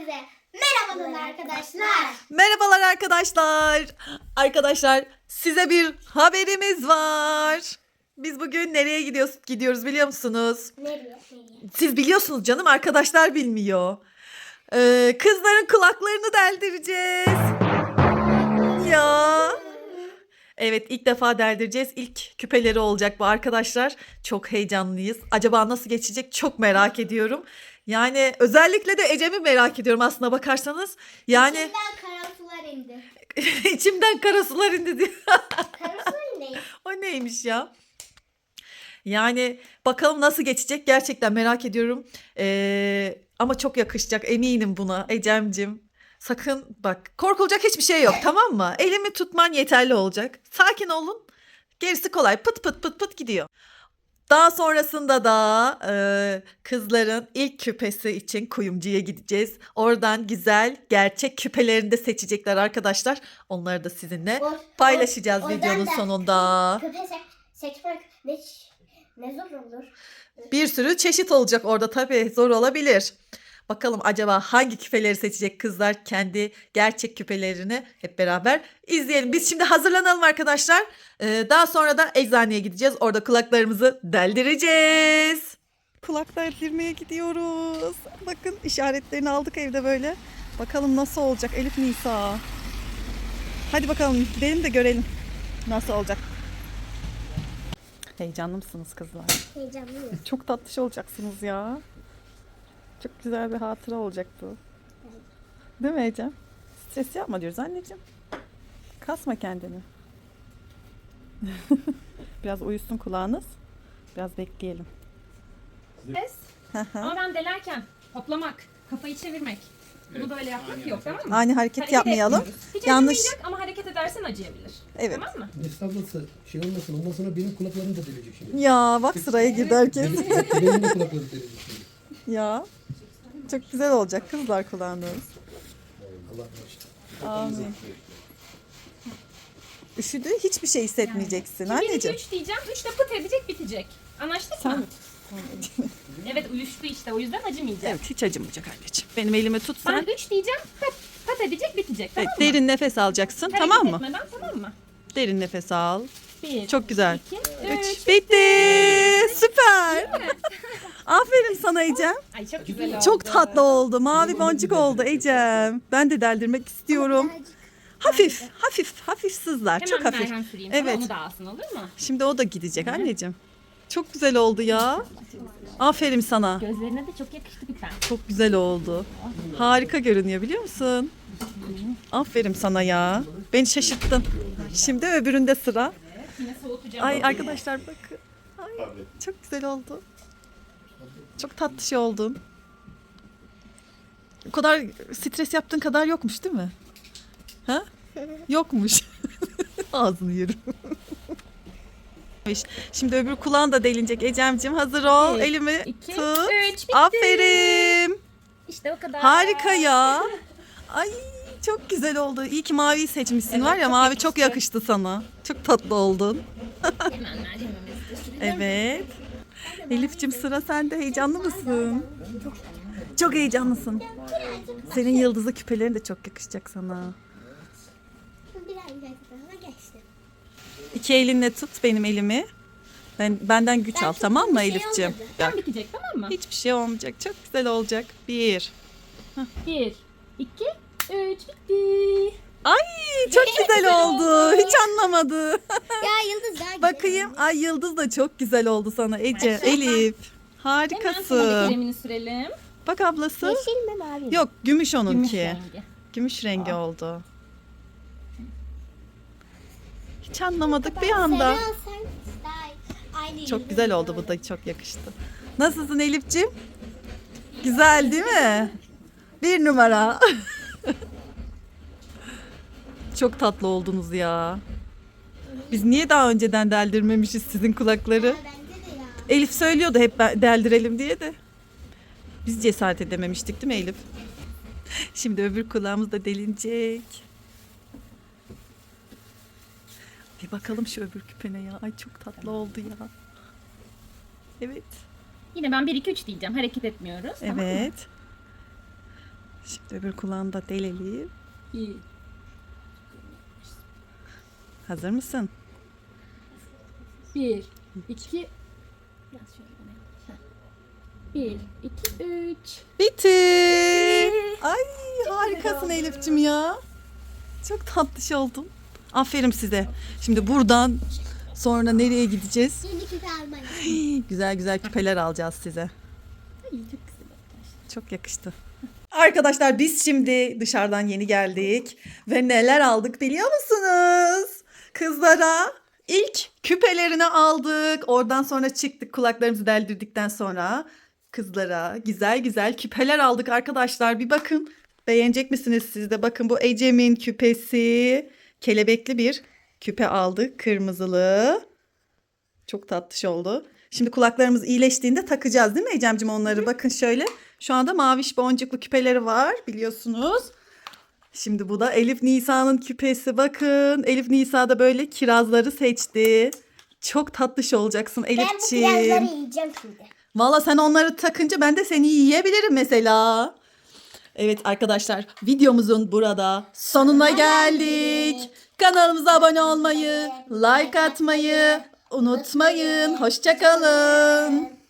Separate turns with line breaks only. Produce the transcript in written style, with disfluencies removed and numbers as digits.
Hepinize merhabalar arkadaşlar.
Merhabalar arkadaşlar. Arkadaşlar size bir haberimiz var. Biz bugün nereye gidiyoruz biliyor musunuz?
Nereye?
Siz biliyorsunuz canım, arkadaşlar bilmiyor. Kızların kulaklarını deldireceğiz. Ya. Evet, ilk defa deldireceğiz. İlk küpeleri olacak bu arkadaşlar. Çok heyecanlıyız. Acaba nasıl geçecek çok merak ediyorum. Yani özellikle de Ecem'i merak ediyorum aslına bakarsanız. Yani
İçimden kara sular indi.
içimden kara sular indi diyor.
Kara sular indi.
O neymiş ya? Yani bakalım nasıl geçecek, gerçekten merak ediyorum. Ama çok yakışacak, eminim buna Ecem'cim. Sakın bak, korkulacak hiçbir şey yok, tamam mı? Elimi tutman yeterli olacak. Sakin olun. Gerisi kolay, pıt pıt pıt pıt gidiyor. Daha sonrasında da kızların ilk küpesi için kuyumcuya gideceğiz. Oradan güzel gerçek küpelerini de seçecekler arkadaşlar. Onları da sizinle paylaşacağız
Oradan
videonun
da
sonunda.
Küpe seçmek ne zor olur.
Bir sürü çeşit olacak orada, tabii zor olabilir. Bakalım acaba hangi küpeleri seçecek kızlar, kendi gerçek küpelerini hep beraber izleyelim. Biz şimdi hazırlanalım arkadaşlar. Daha sonra da eczaneye gideceğiz. Orada kulaklarımızı deldireceğiz. Kulak deldirmeye gidiyoruz. Bakın, işaretlerini aldık evde böyle. Bakalım nasıl olacak Elif Nisa. Hadi bakalım gidelim de görelim nasıl olacak. Heyecanlı mısınız kızlar?
Heyecanlıyım.
Çok tatlış olacaksınız ya. Çok güzel bir hatıra olacak bu. Değil mi Ecem? Stres yapma diyoruz anneciğim. Kasma kendini. Biraz uyusun kulağınız. Biraz bekleyelim.
Ses. Ama ben delerken hoplamak, kafayı çevirmek. Bunu böyle yapmak yok, tamam mı?
Aynı hareket yapmayalım.
etmiyoruz. Hiç
Yanlış.
acımayacak ama hareket edersen acıyabilir.
Evet.
Tamam mı?
Estağfurullah, şey olmasın, ondan sonra benim kulaklarım da delecek şimdi.
Ya bak, sıraya girdi herkes.
Benim de kulaklarım delecek şimdi.
Ya. Çok güzel olacak kızlar kulağınız.
Allah başlasın.
Amin. Üşüdü, hiçbir şey hissetmeyeceksin
1, 2,
anneciğim.
3 diyeceğim. 3 de pıt edecek, bitecek. Anlaştık
Sen
mı? Evet, uyuştu işte. O yüzden acımayacak.
Evet, hiç acımayacak anneciğim. Benim elimi tut sen.
Ben 3 diyeceğim. Pıt edecek, bitecek.
Evet,
Tamam mı?
derin nefes alacaksın,
Hareket
tamam mı?
etmeden, tamam mı?
Derin nefes al.
1,
Çok güzel.
2,
3.
3.
Bitti. Süper. Aferin sana Ecem.
Ay çok güzel oldu.
Çok tatlı oldu. Mavi boncuk oldu Ecem. Ben de deldirmek istiyorum. Hafif, hafif, hafif sızlar.
Hemen
Çok
bir
hafif.
merhem süreyim.
Evet.
Evet. Onu da alsın, olur mu?
Şimdi o da gidecek anneciğim. Çok güzel oldu ya. Aferin sana.
Gözlerine de çok yakıştı küpen.
Çok güzel oldu. Harika görünüyor, biliyor musun? Aferin sana ya. Beni şaşırttın. Şimdi öbüründe sıra.
Yine soğutacağım.
Ay arkadaşlar bakın. Ay, çok güzel oldu. Çok tatlı şey oldun. O kadar stres yaptığın kadar yokmuş değil mi? Ha? Yokmuş. Ağzını yerim. Şimdi öbür kulağın da delinecek Ecem'cim. Hazır ol.
1,
Elimi
2,
tut.
3, bitti.
Aferin.
İşte o kadar.
Harika ya. Ay çok güzel oldu. İyi ki maviyi seçmişsin,
Evet,
var ya,
çok
mavi
yakıştı.
çok yakıştı sana. Çok tatlı oldun.
Hemen merhemimizi de sürelim.
Evet. Elif'cim, sıra sende. Heyecanlı mısın? Çok heyecanlısın. Senin yıldızlı küpelerin de çok yakışacak sana.
Biraz daha geçti.
İki elinle tut benim elimi. Benden güç al, tamam mı
bir şey
Elif'cim?
olmadı.
Bak,
Tam bitecek, tamam mı?
hiçbir şey olmayacak. Çok güzel olacak. 1.
1, 2, 3, bitti.
Ay çok güzel oldu. Hiç anlamadı.
Ya Yıldız daha güzel.
Bakayım. Ay, yıldız da çok güzel oldu sana Ece. Elif.
Hemen sana da
Harikasın.
kremini sürelim.
Bak ablası.
Yeşil mi mavi mi?
Yok, gümüş onunki.
Gümüş rengi.
Gümüş rengi oldu. Hiç anlamadık bir anda.
Sarı alsan daha aynı
Çok
yıldız
güzel oldu, bu da çok yakıştı. Nasılsın Elif'ciğim? Güzel değil mi? 1 numara. Çok tatlı oldunuz ya. Biz niye daha önceden deldirmemişiz sizin kulakları?
Ya bence de ya.
Elif söylüyordu hep deldirelim diye de. Biz cesaret edememiştik değil mi Elif? Şimdi öbür kulağımız da delinecek. Bir bakalım şu öbür küpene ya. Ay çok tatlı oldu ya. Evet.
Yine ben 1, 2, 3 diyeceğim. Hareket etmiyoruz. Tamam mı?
Evet. Şimdi öbür kulağını da delelim.
Bir.
Hazır mısın?
1, 2. Biraz şöyle bana. 1, 2, 3.
Bitti. Ay harikasın Elif'cim ya. Çok tatlış oldun. Aferin size. Şimdi buradan sonra nereye gideceğiz?
Yeni küpe almayı.
Güzel güzel küpeler alacağız size.
Ay çok güzel arkadaşlar.
Çok yakıştı. Arkadaşlar biz şimdi dışarıdan yeni geldik ve neler aldık biliyor musunuz? Kızlara ilk küpelerini aldık. Oradan sonra çıktık kulaklarımızı deldirdikten sonra kızlara güzel güzel küpeler aldık arkadaşlar. Bir bakın beğenecek misiniz siz de? Bakın bu Ecem'in küpesi. Kelebekli bir küpe aldık kırmızılı. Çok tatlış oldu. Şimdi kulaklarımız iyileştiğinde takacağız değil mi Ecem'cim onları? Bakın şöyle. Şu anda maviş boncuklu küpeleri var biliyorsunuz. Şimdi bu da Elif Nisa'nın küpesi. Bakın Elif Nisa da böyle kirazları seçti. Çok tatlış olacaksın
Ben bu
Elif'ciğim.
kirazları yiyeceğim şimdi.
Valla sen onları takınca ben de seni yiyebilirim mesela. Evet arkadaşlar videomuzun burada sonuna geldik. Kanalımıza abone olmayı, like atmayı unutmayın. Hoşça kalın.